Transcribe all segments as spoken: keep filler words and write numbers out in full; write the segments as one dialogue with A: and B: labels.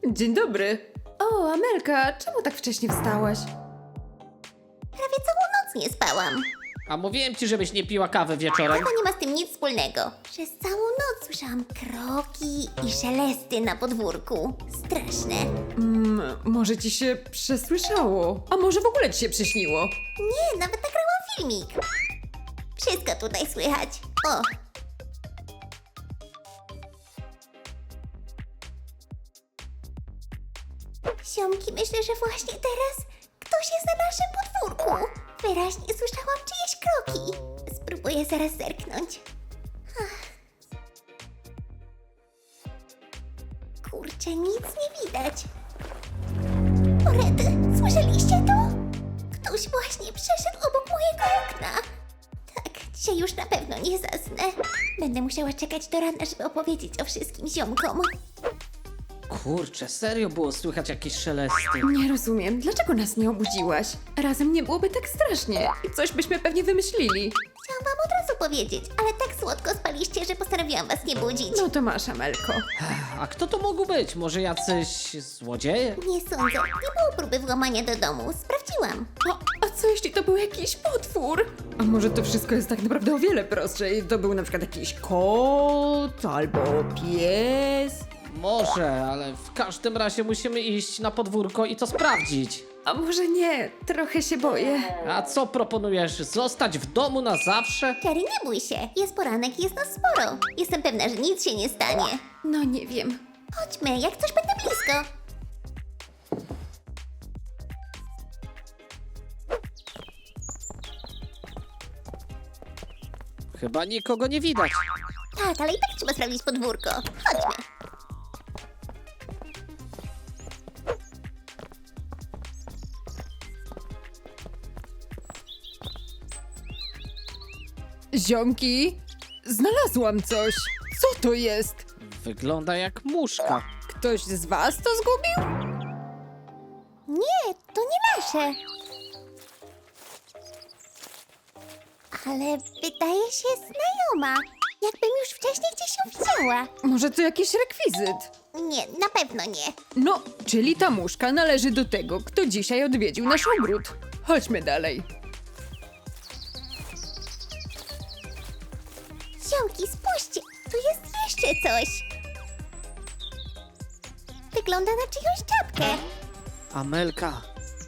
A: Dzień dobry. O, Amelka, czemu tak wcześnie wstałaś?
B: Prawie całą noc nie spałam.
C: A mówiłem ci, żebyś nie piła kawy wieczorem.
B: To nie ma z tym nic wspólnego. Przez całą noc słyszałam kroki i szelesty na podwórku. Straszne.
A: Mm, może ci się przesłyszało? A może w ogóle ci się przyśniło?
B: Nie, nawet nagrałam filmik. Wszystko tutaj słychać. O, ziomki, myślę, że właśnie teraz ktoś jest na naszym podwórku. Wyraźnie słyszałam czyjeś kroki. Spróbuję zaraz zerknąć. Ach. Kurczę, nic nie widać. O rety, słyszeliście to? Ktoś właśnie przeszedł obok mojego okna. Tak, dzisiaj już na pewno nie zasnę. Będę musiała czekać do rana, żeby opowiedzieć o wszystkim ziomkom.
C: Kurczę, serio było słychać jakieś szelesty.
A: Nie rozumiem, dlaczego nas nie obudziłaś? Razem nie byłoby tak strasznie i coś byśmy pewnie wymyślili.
B: Chciałam wam od razu powiedzieć, ale tak słodko spaliście, że postanowiłam was nie budzić.
A: No to masz, Amelko.
C: A kto to mógł być? Może jacyś złodzieje?
B: Nie sądzę, nie było próby włamania do domu. Sprawdziłam.
A: O, a co jeśli to był jakiś potwór? A może to wszystko jest tak naprawdę o wiele prostsze i to był na przykład jakiś kot albo pies?
C: Może, ale w każdym razie musimy iść na podwórko i to sprawdzić.
A: A może nie, trochę się boję.
C: A co proponujesz? Zostać w domu na zawsze?
B: Kerry, nie bój się. Jest poranek i jest nas sporo. Jestem pewna, że nic się nie stanie.
A: No nie wiem.
B: Chodźmy, jak coś będę blisko.
C: Chyba nikogo nie widać.
B: Tak, ale i tak trzeba sprawdzić podwórko. Chodźmy.
A: Ziomki, znalazłam coś. Co to jest?
C: Wygląda jak muszka.
A: Ktoś z was to zgubił?
B: Nie, to nie nasze. Ale wydaje się znajoma. Jakbym już wcześniej gdzieś ją widziała.
A: Może to jakiś rekwizyt?
B: Nie, na pewno nie.
A: No, czyli ta muszka należy do tego, kto dzisiaj odwiedził nasz ogród. Chodźmy dalej.
B: Ziomki, spójrzcie, tu jest jeszcze coś. Wygląda na czyjąś czapkę.
C: Amelka.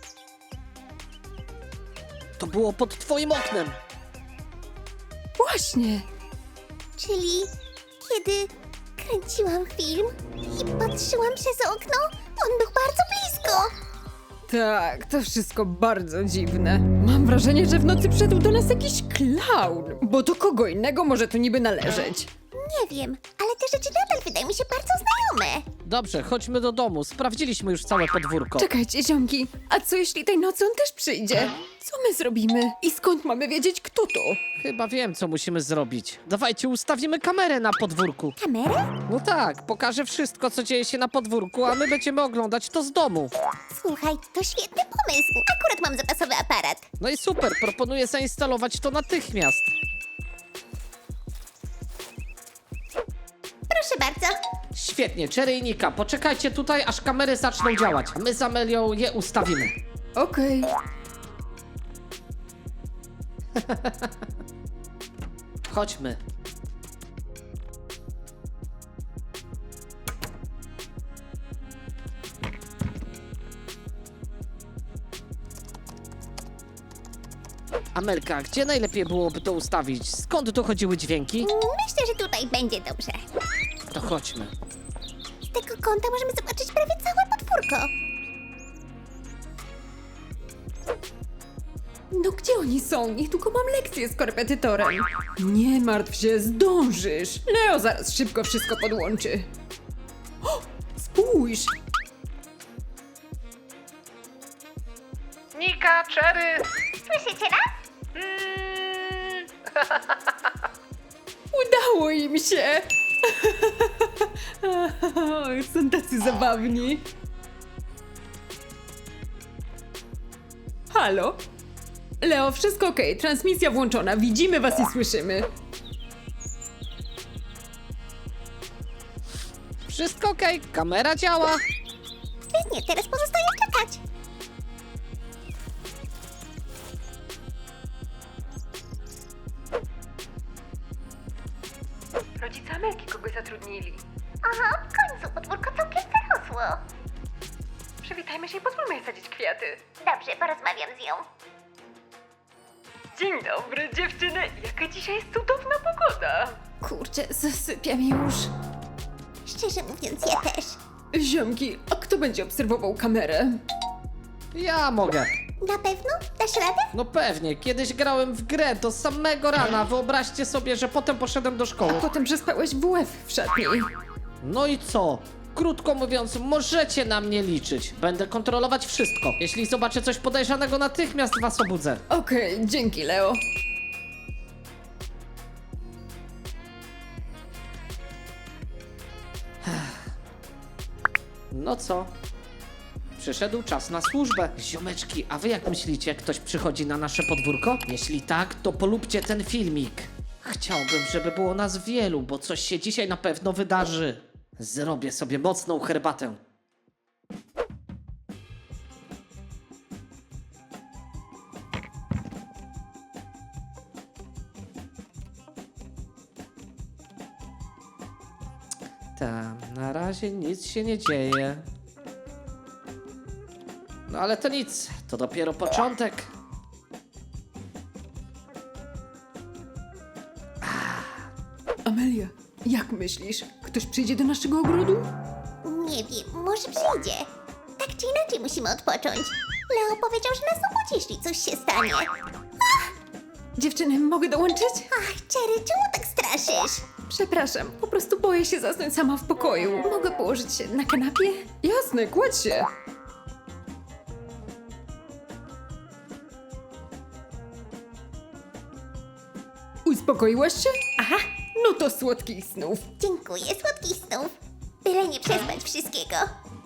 C: To było pod twoim oknem.
A: Właśnie.
B: Czyli kiedy kręciłam film i patrzyłam przez okno, on był bardzo blisko.
A: Tak, to wszystko bardzo dziwne. Mam wrażenie, że w nocy przyszedł do nas jakiś klaun, bo do kogo innego może to niby należeć.
B: Nie wiem, ale te rzeczy nadal wydają mi się bardzo znajome.
C: Dobrze, chodźmy do domu. Sprawdziliśmy już całe podwórko.
A: Czekajcie, ziomki, a co jeśli tej nocy on też przyjdzie? Co my zrobimy? I skąd mamy wiedzieć, kto to?
C: Chyba wiem, co musimy zrobić. Dawajcie, ustawimy kamerę na podwórku.
B: Kamerę?
C: No tak, pokażę wszystko, co dzieje się na podwórku, a my będziemy oglądać to z domu.
B: Słuchaj, to świetny pomysł. Akurat mam zapasowy aparat.
C: No i super, proponuję zainstalować to natychmiast.
B: Proszę bardzo.
C: Świetnie, Cherry i Nika, poczekajcie tutaj, aż kamery zaczną działać. My z Amelią je ustawimy.
A: Okej.
C: Chodźmy. Amelka, gdzie najlepiej byłoby to ustawić? Skąd dochodziły dźwięki?
B: Myślę, że tutaj będzie dobrze.
C: To chodźmy.
B: Z tego kąta możemy zobaczyć prawie całe podwórko.
A: No gdzie oni są? Niedługo mam lekcję z korepetytorem. Nie martw się, zdążysz. Leo zaraz szybko wszystko podłączy. O, spójrz!
C: Nika, Cherry!
B: Słyszycie nas?
A: Udało im się! Są tacy zabawni. Halo? Leo, wszystko okej, transmisja włączona, widzimy was i słyszymy.
C: Wszystko okej, kamera działa.
B: Świetnie, teraz pozostaje czekać.
A: Rodzice Amelki kogoś zatrudnili.
B: Aha, w końcu podwórko całkiem zarosło.
A: Przywitajmy się i pozwólmy jej sadzić kwiaty.
B: Dobrze, porozmawiam z nią.
A: Dzień dobry, dziewczyny. Jaka dzisiaj jest cudowna pogoda. Kurczę, zasypiam już.
B: Szczerze mówiąc, ja też.
A: Ziomki, a kto będzie obserwował kamerę?
C: Ja mogę.
B: Na pewno? Dasz radę?
C: No pewnie, kiedyś grałem w grę do samego rana. Wyobraźcie sobie, że potem poszedłem do szkoły.
A: Potem przespałeś w łeb w szatni.
C: No i co? Krótko mówiąc, możecie na mnie liczyć. Będę kontrolować wszystko. Jeśli zobaczę coś podejrzanego, natychmiast was obudzę.
A: Okej, dzięki, Leo.
C: No co? Przyszedł czas na służbę. Ziomeczki, a wy jak myślicie, ktoś przychodzi na nasze podwórko? Jeśli tak, to polubcie ten filmik. Chciałbym, żeby było nas wielu, bo coś się dzisiaj na pewno wydarzy. Zrobię sobie mocną herbatę. Tam, na razie nic się nie dzieje. No ale to nic, to dopiero początek.
A: Amelia, jak myślisz? Ktoś przyjdzie do naszego ogrodu?
B: Nie wiem, może przyjdzie. Tak czy inaczej musimy odpocząć. Leo powiedział, że nas obudzi, jeśli coś się stanie.
A: Dziewczyny, mogę dołączyć?
B: Ach, Cherry, czemu tak straszysz?
A: Przepraszam, po prostu boję się zasnąć sama w pokoju. Mogę położyć się na kanapie? Jasne, kładź się. Uspokoiłaś się? Aha, no to słodkich snów.
B: Dziękuję, słodkich snów. Byle nie przespać wszystkiego.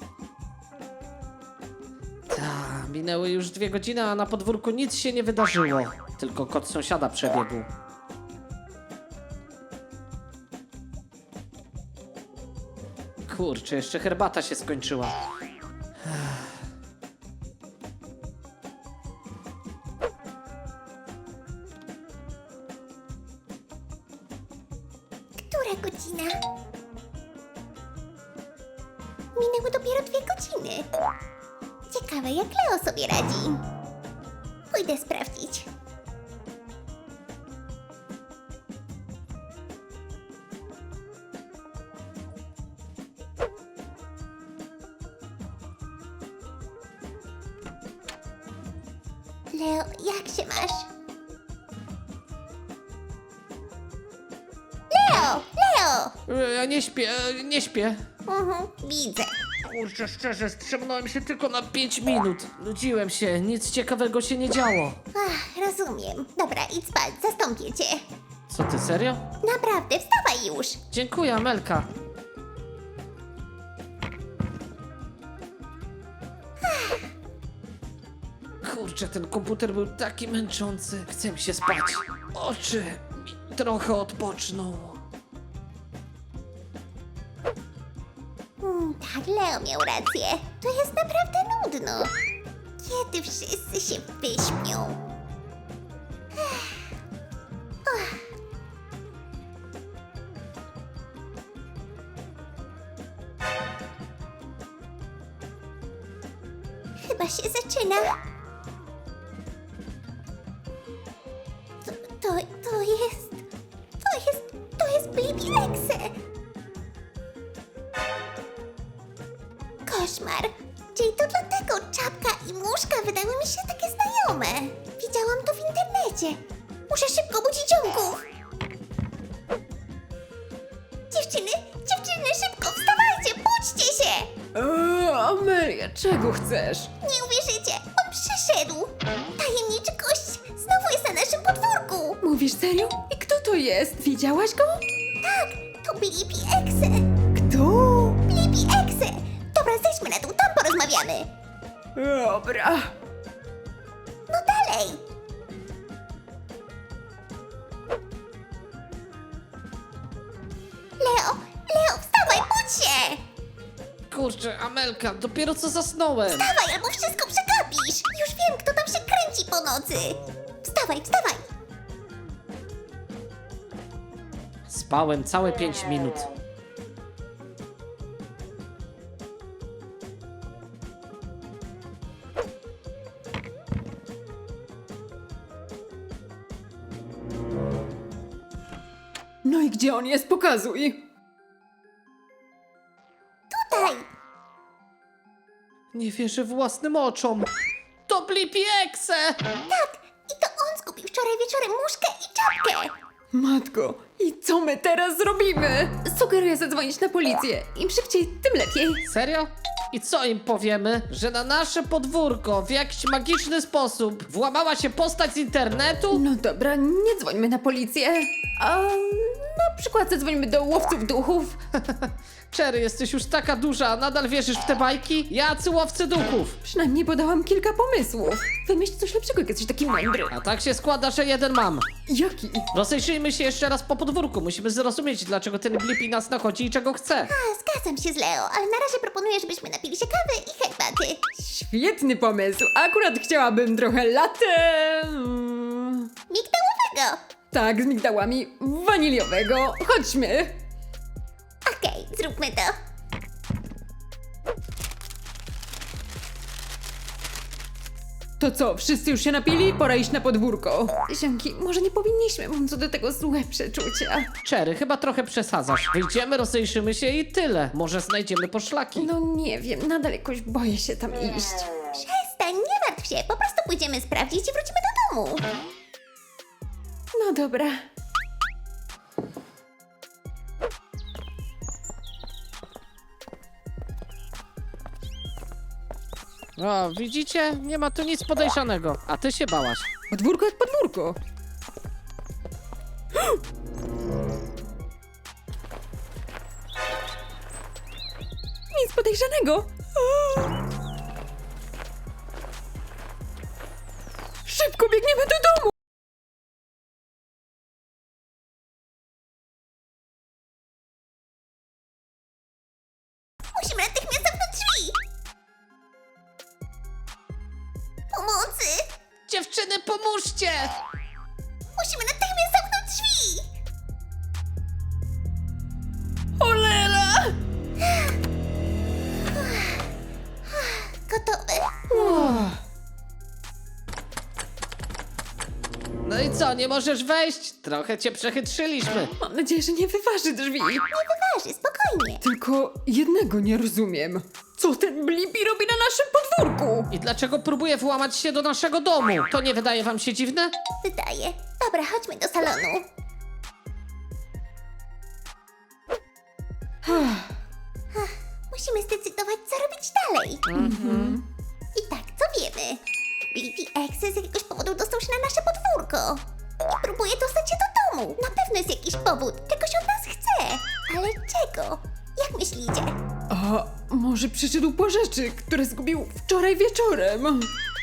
C: Ta, minęły już dwie godziny, a na podwórku nic się nie wydarzyło. Tylko kot sąsiada przebiegł. Kurczę, jeszcze herbata się skończyła.
B: Która godzina? Minęły dopiero dwie godziny. Ciekawe, jak Leo sobie radzi. Pójdę sprawdzić. Leo, jak się masz? Leo! Leo!
C: E, Ja nie śpię, e, nie śpię.
B: Mhm, widzę.
C: Kurczę, szczerze, strzemnąłem się tylko na pięć minut. Nudziłem się, nic ciekawego się nie działo.
B: Ach, rozumiem. Dobra, idź spać, zastąpię cię.
C: Co ty, serio?
B: Naprawdę, wstawaj już.
C: Dziękuję, Amelka. Kurczę, ten komputer był taki męczący. Chcę mi się spać. Oczy mi trochę odpoczną.
B: Mm, tak, Leo miał rację. To jest naprawdę nudno. Kiedy wszyscy się wyśpią? Chyba się zaczyna. To, to, to jest... To jest... To jest Baby Exe. Koszmar. Czyli to dlatego czapka i muszka wydały mi się takie znajome. Widziałam to w internecie. Muszę szybko budzić ziomków. Dziewczyny, dziewczyny, szybko, wstawajcie, budźcie się.
A: Eee, Amelia, czego chcesz?
B: Nie uwierzycie, on przyszedł. Tajemniczy gość znowu jest na naszym podwórku.
A: Mówisz serio? I kto to jest? Widziałaś go?
B: Tak, to Blippi Exe.
A: Kto?
B: Blippi Exe. Dobra, zejdźmy na dół, tam porozmawiamy.
A: Dobra.
B: No dalej. Leo, Leo, wstawaj, budź się.
C: Kurczę, Amelka, dopiero co zasnąłem.
B: Wstawaj, albo wszystko przegapisz! Już wiem, kto tam się kręci po nocy! Wstawaj, wstawaj!
C: Spałem całe pięć minut.
A: No i gdzie on jest? Pokazuj!
B: Tutaj!
C: Nie wierzę własnym oczom. To Blippi Exe!
B: Tak! I to on zgubił wczoraj wieczorem muszkę i czapkę!
A: Matko, i co my teraz zrobimy? Sugeruję zadzwonić na policję. Im szybciej, tym lepiej.
C: Serio? I co im powiemy? Że na nasze podwórko w jakiś magiczny sposób włamała się postać z internetu?
A: No dobra, nie dzwońmy na policję. A na przykład zadzwońmy do łowców duchów.
C: Cherry, jesteś już taka duża, a nadal wierzysz w te bajki? Jacy łowcy duchów!
A: Przynajmniej podałam kilka pomysłów. Wymyśl coś lepszego, jak jesteś taki mądry.
C: A tak się składa, że jeden mam.
A: Jaki?
C: Rozejrzyjmy się jeszcze raz po podwórku. Musimy zrozumieć, dlaczego ten Blippi nas nachodzi i czego chce.
B: A, zgadzam się z Leo, ale na razie proponuję, żebyśmy napili się kawy i herbaty.
A: Świetny pomysł. Akurat chciałabym trochę latte. mm,
B: Migdałowego!
A: Tak, z migdałami waniliowego. Chodźmy.
B: Okej, zróbmy to.
A: To co, wszyscy już się napili? Pora iść na podwórko. Ziomki, może nie powinniśmy, mam co do tego złe przeczucia.
C: Cherry, chyba trochę przesadzasz. Wyjdziemy, rozejrzymy się i tyle. Może znajdziemy poszlaki.
A: No nie wiem, nadal jakoś boję się tam iść.
B: Przestań, nie martw się, po prostu pójdziemy sprawdzić i wrócimy do domu.
A: No dobra.
C: O, widzicie? Nie ma tu nic podejrzanego. A ty się bałaś.
A: Podwórko jak podwórko. Nic podejrzanego. Szybko biegniemy do domu.
B: Musimy natychmiast zamknąć drzwi. Pomocy!
C: Dziewczyny, pomóżcie!
B: Musimy natychmiast zamknąć drzwi!
A: Cholera!
B: Gotowe.
C: No i co, nie możesz wejść? Trochę cię przechytrzyliśmy.
A: Mam nadzieję, że nie wyważy drzwi.
B: Nie wyważy, spokojnie.
A: Tylko jednego nie rozumiem. Co ten Blippi robi na naszym podwórku?
C: I dlaczego próbuje włamać się do naszego domu? To nie wydaje wam się dziwne?
B: Wydaje. Dobra, chodźmy do salonu. Musimy zdecydować, co robić dalej. I tak, co wiemy? Blippi Exe z jakiegoś powodu dostał się na nasze podwórko. I próbuje dostać się do domu. Na pewno jest jakiś powód. Czegoś od nas chce. Ale czego? Jak myślicie?
A: A może przyszedł po rzeczy, które zgubił wczoraj wieczorem?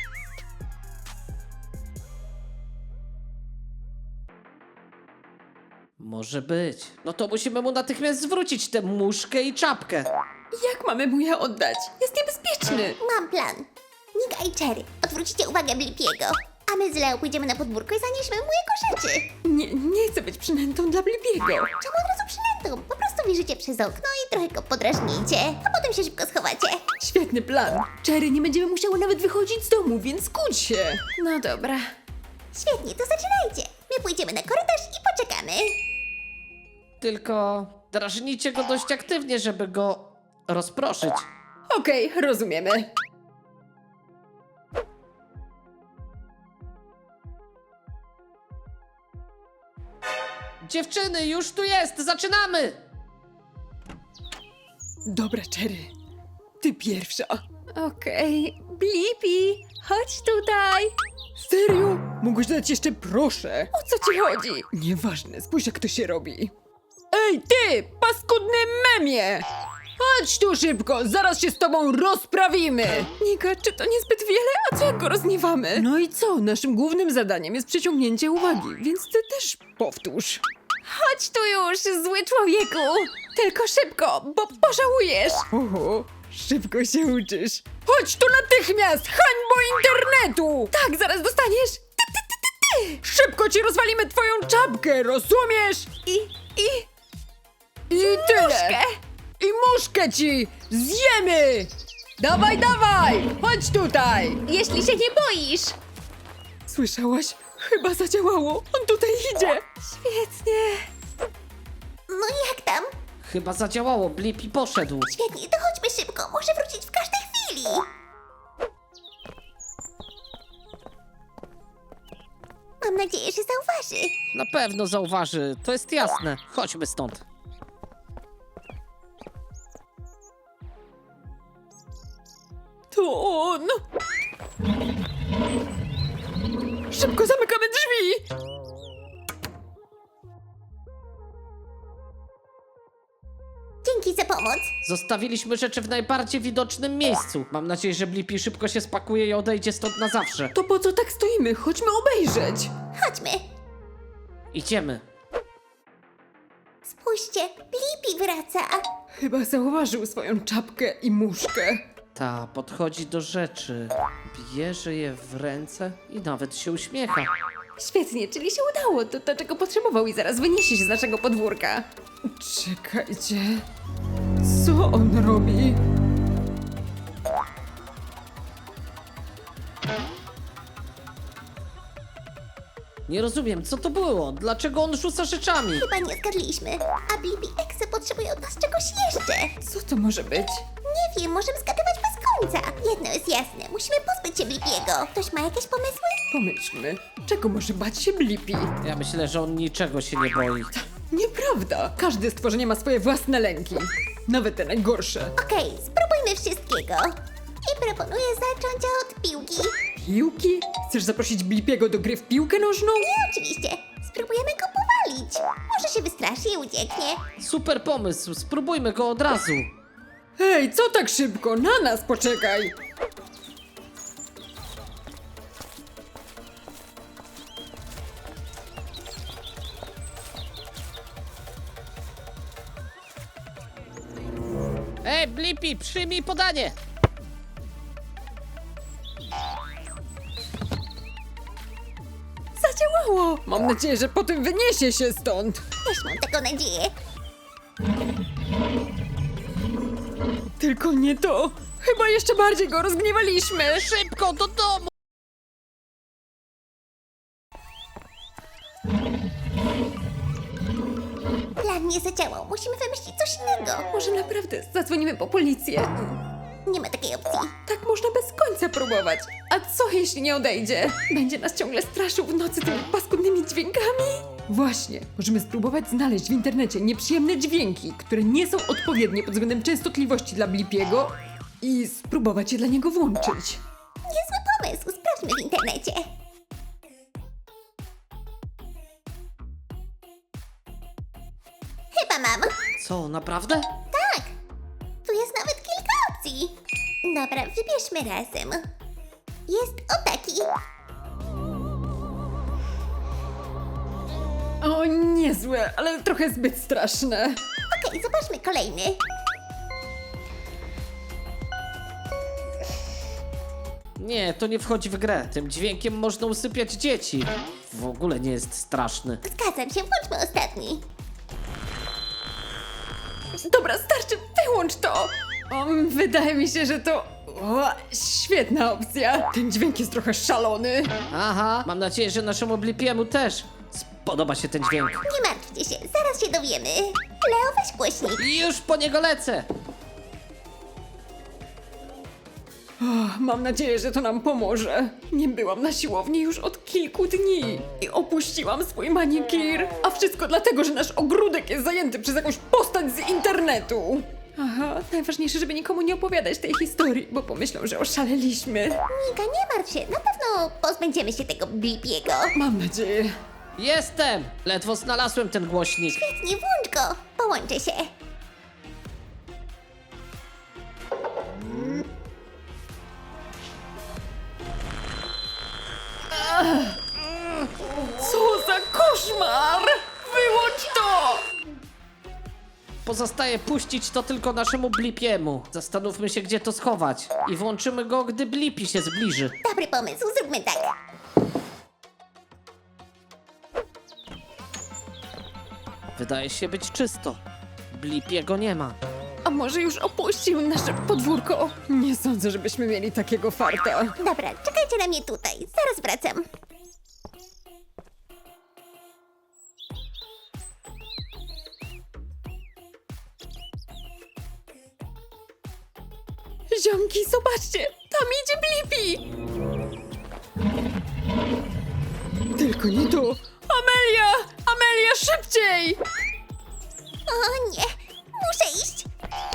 C: Może być. No to musimy mu natychmiast zwrócić tę muszkę i czapkę.
A: Jak mamy mu je oddać? Jest niebezpieczny.
B: Mam plan. Nika i Cherry, odwrócicie uwagę Blippiego. A my z Leo pójdziemy na podwórko i zanieśmy mu jego rzeczy.
A: Nie, nie chcę być przynętą dla Blippiego.
B: Czemu od razu przynętą? Po prostu wierzycie przez okno i trochę go podrażnijcie, a potem się szybko schowacie.
A: Świetny plan. Cherry, nie będziemy musiały nawet wychodzić z domu, więc kłóć się. No dobra.
B: Świetnie, to zaczynajcie. My pójdziemy na korytarz i poczekamy.
C: Tylko drażnijcie go dość aktywnie, żeby go rozproszyć.
A: Okej, rozumiemy.
C: Dziewczyny, już tu jest! Zaczynamy!
A: Dobra, Cherry. Ty pierwsza. Okej. Blippi, chodź tutaj. Serio? Mógłbyś dać jeszcze proszę? O co ci chodzi? Nieważne, spójrz jak to się robi. Ej, ty, paskudny memie! Chodź tu szybko, zaraz się z tobą rozprawimy! Nika, czy to niezbyt wiele? A co jak go rozniewamy? No i co? Naszym głównym zadaniem jest przyciągnięcie uwagi, więc ty też powtórz. Chodź tu już, zły człowieku! Tylko szybko, bo pożałujesz! Oho, Szybko się uczysz. Chodź tu natychmiast, hańbo internetu! Tak, zaraz dostaniesz. Ty, ty, ty, ty, ty. Szybko ci rozwalimy twoją czapkę, rozumiesz? I, i... I tyle. Muszkę. I muszkę ci zjemy! Dawaj, dawaj! Chodź tutaj!
B: Jeśli się nie boisz.
A: Słyszałaś? Chyba zadziałało. On tutaj idzie. Świetnie.
B: No i jak tam?
C: Chyba zadziałało, Blippi poszedł.
B: Świetnie, to chodźmy szybko. Może wrócić w każdej chwili. Mam nadzieję, że zauważy.
C: Na pewno zauważy, to jest jasne. Chodźmy stąd.
A: To on. Szybko zamykamy drzwi.
B: Dzięki za pomoc.
C: Zostawiliśmy rzeczy w najbardziej widocznym miejscu. Mam nadzieję, że Blippi szybko się spakuje i odejdzie stąd na zawsze.
A: To po co tak stoimy? Chodźmy obejrzeć.
B: Chodźmy.
C: Idziemy.
B: Spójrzcie, Blippi wraca.
A: Chyba zauważył swoją czapkę i muszkę.
C: Ta podchodzi do rzeczy, bierze je w ręce i nawet się uśmiecha.
A: Świetnie, czyli się udało. To to, czego potrzebował i zaraz wyniesie się z naszego podwórka. Czekajcie. Co on robi?
C: Nie rozumiem, co to było? Dlaczego on rzuca rzeczami?
B: Chyba nie zgadliśmy. A Blippi Exe potrzebuje od nas czegoś jeszcze.
A: Co to może być?
B: Nie wiem, możemy zgadywać bez końca. Jedno jest jasne, musimy pozbyć się Blippiego. Ktoś ma jakieś pomysły?
A: Pomyślmy. Czego może bać się Blippi?
C: Ja myślę, że on niczego się nie boi.
A: Nieprawda. Każde stworzenie ma swoje własne lęki. Nawet te najgorsze.
B: Okej, spróbujmy wszystkiego. I proponuję zacząć od piłki.
A: Piłki? Chcesz zaprosić Blippiego do gry w piłkę nożną?
B: Nie, oczywiście. Spróbujemy go powalić. Może się wystraszy i ucieknie.
C: Super pomysł, spróbujmy go od razu.
A: Hej, co tak szybko? Na nas poczekaj!
C: Ej, Blippi, przyjmij podanie!
A: Zadziałało! Mam nadzieję, że potem wyniesie się stąd.
B: Też mam taką nadzieję.
A: Tylko nie to. Chyba jeszcze bardziej go rozgniewaliśmy.
C: Szybko do domu!
B: Plan nie zadziałał. Musimy wymyślić coś innego.
A: Może naprawdę zadzwonimy po policję.
B: Nie ma takiej opcji.
A: Tak można bez końca próbować. A co jeśli nie odejdzie? Będzie nas ciągle straszył w nocy tymi paskudnymi dźwiękami? Właśnie, możemy spróbować znaleźć w internecie nieprzyjemne dźwięki, które nie są odpowiednie pod względem częstotliwości dla Blippiego i spróbować je dla niego włączyć.
B: Niezły pomysł. Sprawdźmy w internecie. Chyba mam.
C: Co, naprawdę?
B: Tak. Tu jest nawet kilka opcji. Dobra, wybierzmy razem. Jest o taki.
A: O, niezłe, ale trochę zbyt straszne.
B: Okej, zobaczmy kolejny.
C: Nie, to nie wchodzi w grę. Tym dźwiękiem można usypiać dzieci. W ogóle nie jest straszny.
B: Zgadzam się, włączmy ostatni.
A: Dobra, starczy, wyłącz to! O, wydaje mi się, że to... O, świetna opcja. Ten dźwięk jest trochę szalony.
C: Aha, mam nadzieję, że naszemu Blippiemu też spodoba się ten dźwięk.
B: Nie martwcie się, zaraz się dowiemy. Leo, weź głośnik.
C: I już po niego lecę!
A: O, mam nadzieję, że to nam pomoże. Nie byłam na siłowni już od kilku dni i opuściłam swój manikir. A wszystko dlatego, że nasz ogródek jest zajęty przez jakąś postać z internetu. Aha, najważniejsze, żeby nikomu nie opowiadać tej historii, bo pomyślą, że oszaleliśmy.
B: Nika, nie martw się, na pewno pozbędziemy się tego Blippiego.
A: Mam nadzieję.
C: Jestem! Ledwo znalazłem ten głośnik.
B: Nie włącz go, połączę się.
A: Co za koszmar! Wyłącz to!
C: pozostaje puścić to tylko naszemu Blipiemu. Zastanówmy się, gdzie to schować. I włączymy go, gdy Blippi się zbliży.
B: Dobry pomysł, zróbmy tak.
C: Wydaje się być czysto. Blippiego nie ma.
A: A może już opuścił nasze podwórko? Nie sądzę, żebyśmy mieli takiego farta.
B: Dobra, czekajcie na mnie tutaj, zaraz wracam.
A: Ziomki, zobaczcie! Tam idzie Blippi! Tylko nie tu! Amelia! Amelia, szybciej!
B: O nie, muszę iść.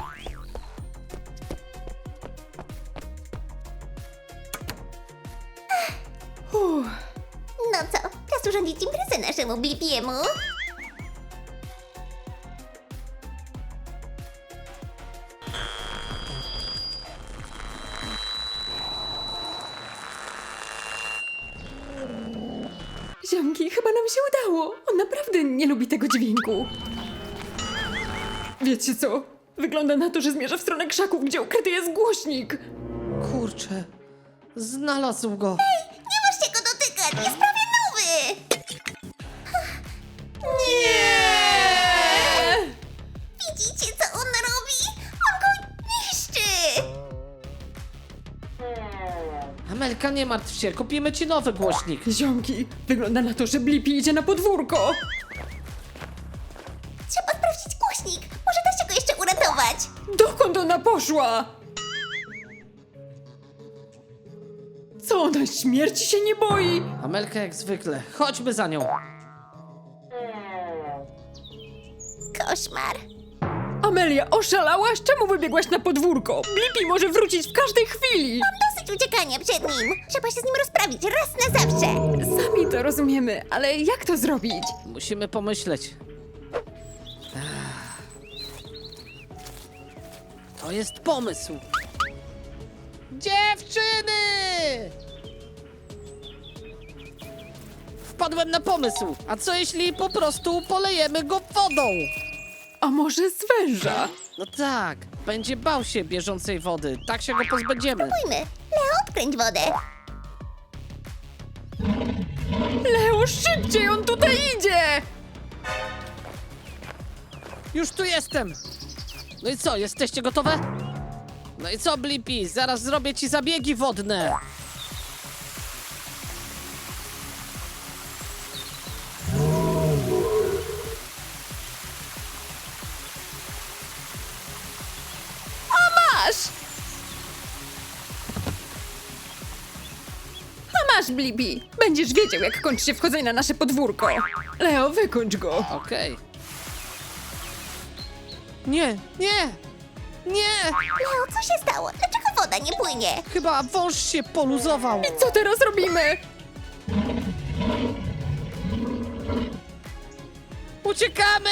A: Uff.
B: No co, czas urządzić imprezę naszemu Blippiemu.
A: Ziomki, chyba nam się udało. On naprawdę nie lubi tego dźwięku. Wiecie co? Wygląda na to, że zmierza w stronę krzaków, gdzie ukryty jest głośnik.
C: Kurczę, znalazł go.
B: Nie możecie go dotykać, jest prawie nowy.
A: Nie!
B: Widzicie, co on robi? On go niszczy.
C: Amelka, nie martw się, kupimy ci nowy głośnik.
A: Ziomki, wygląda na to, że Blippi idzie na podwórko.
B: Trzeba sprawdzić głośnik, może da się go jeszcze uratować.
A: Dokąd ona poszła? Co, ona śmierci się nie boi?
C: Amelka jak zwykle, chodźmy za nią.
B: Koszmar.
A: Amelia, oszalałaś? Czemu wybiegłaś na podwórko? Blippi może wrócić w każdej chwili.
B: Dosyć uciekania przed nim. Trzeba się z nim rozprawić raz na zawsze.
A: Sami to rozumiemy, ale jak to zrobić?
C: Musimy pomyśleć. Ech. To jest pomysł. Dziewczyny! Wpadłem na pomysł. A co jeśli po prostu polejemy go wodą?
A: A może z węża?
C: No tak, będzie bał się bieżącej wody. Tak się go pozbędziemy.
B: Pójmy. Leo, odkręć wodę.
A: Leo, szybciej, on tutaj idzie!
C: Już tu jestem. No i co, jesteście gotowe? No i co, Blippi? Zaraz zrobię ci zabiegi wodne.
A: Masz! A masz, Blippi. Będziesz wiedział, jak kończy się wchodzenie na nasze podwórko. Leo, wykończ go.
C: Okej. Nie, nie, nie!
B: Leo, co się stało? Dlaczego woda nie płynie?
C: Chyba wąż się poluzował.
A: Co teraz robimy?
C: Uciekamy!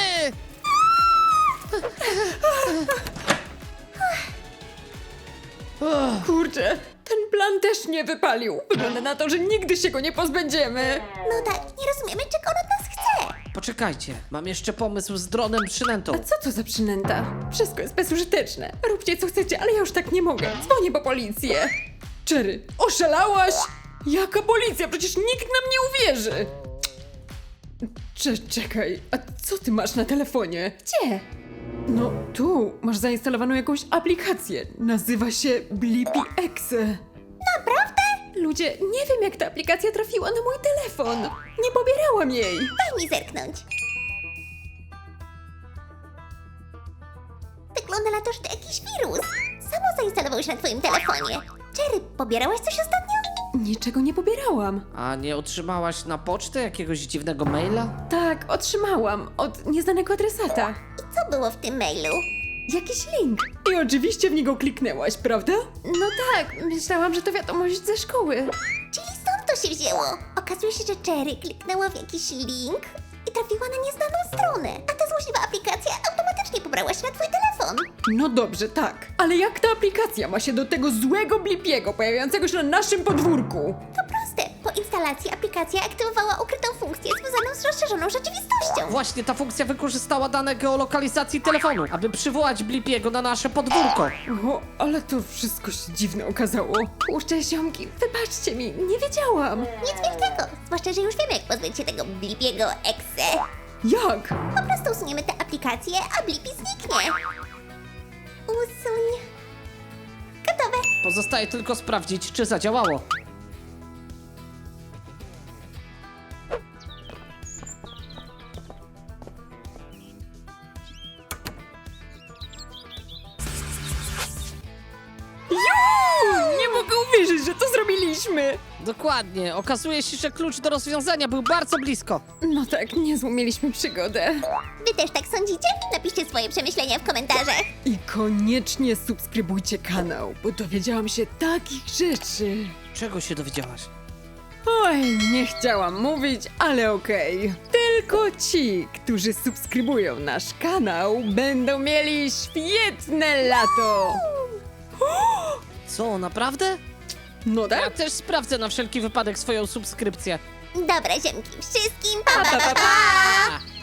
C: Uch,
A: Kurczę, ten plan też nie wypalił. Wygląda na to, że nigdy się go nie pozbędziemy.
B: No tak, nie rozumiemy, czego on od nas chce.
C: Poczekajcie, mam jeszcze pomysł z dronem przynętą.
A: A co to za przynęta? Wszystko jest bezużyteczne. Róbcie co chcecie, ale ja już tak nie mogę. Dzwonię po policję. Cherry, oszalałaś? Jaka policja? Przecież nikt nam nie uwierzy. Cze czekaj, a co ty masz na telefonie? Gdzie? No tu, masz zainstalowaną jakąś aplikację. Nazywa się Blippi Exe.
B: Naprawdę?
A: Ludzie, nie wiem jak ta aplikacja trafiła na mój telefon. Nie pobierałam jej.
B: Daj mi zerknąć. Wygląda na to, że to jakiś wirus. Samo zainstalował się na twoim telefonie. Cherry, pobierałaś coś ostatnio?
A: Niczego nie pobierałam.
C: A nie otrzymałaś na pocztę jakiegoś dziwnego maila?
A: Tak, otrzymałam od nieznanego adresata.
B: I co było w tym mailu?
A: Jakiś link. I oczywiście w niego kliknęłaś, prawda? No tak, myślałam, że to wiadomość ze szkoły.
B: Czyli stąd to się wzięło. Okazuje się, że Cherry kliknęła w jakiś link i trafiła na nieznaną stronę. A ta złośliwa aplikacja automatycznie pobrała się na twój telefon.
A: No dobrze, tak. Ale jak ta aplikacja ma się do tego złego Blippiego pojawiającego się na naszym podwórku?
B: To proste. Po instalacji aplikacja aktywowała ukrytą funkcję związaną z rozszerzoną rzeczywistością.
C: Właśnie ta funkcja wykorzystała dane geolokalizacji telefonu, aby przywołać Blippiego na nasze podwórko.
A: O, ale to wszystko się dziwne okazało. Puszczę ziomki, wybaczcie mi, nie wiedziałam.
B: Nic wielkiego, zwłaszcza, że już wiemy, jak pozbyć się tego Blippiego exe.
A: Jak?
B: Po prostu usuniemy tę aplikację, a Blippi zniknie. Usuń. Gotowe.
C: Pozostaje tylko sprawdzić, czy zadziałało.
A: Nie mogę uwierzyć, że to zrobiliśmy.
C: Dokładnie, okazuje się, że klucz do rozwiązania był bardzo blisko.
A: No tak, niezłą mieliśmy przygodę.
B: Wy też tak sądzicie? Napiszcie swoje przemyślenia w komentarzach.
A: I koniecznie subskrybujcie kanał, bo dowiedziałam się takich rzeczy.
C: Czego się dowiedziałaś?
A: Oj, nie chciałam mówić, ale okej. Tylko ci, którzy subskrybują nasz kanał, będą mieli świetne lato.
C: Co, naprawdę?
A: No
C: Ja
A: tak?
C: też sprawdzę na wszelki wypadek swoją subskrypcję.
B: Dobra, ziemki, wszystkim pa pa
A: Pa, pa,
B: pa!
A: pa,
B: pa!
C: A!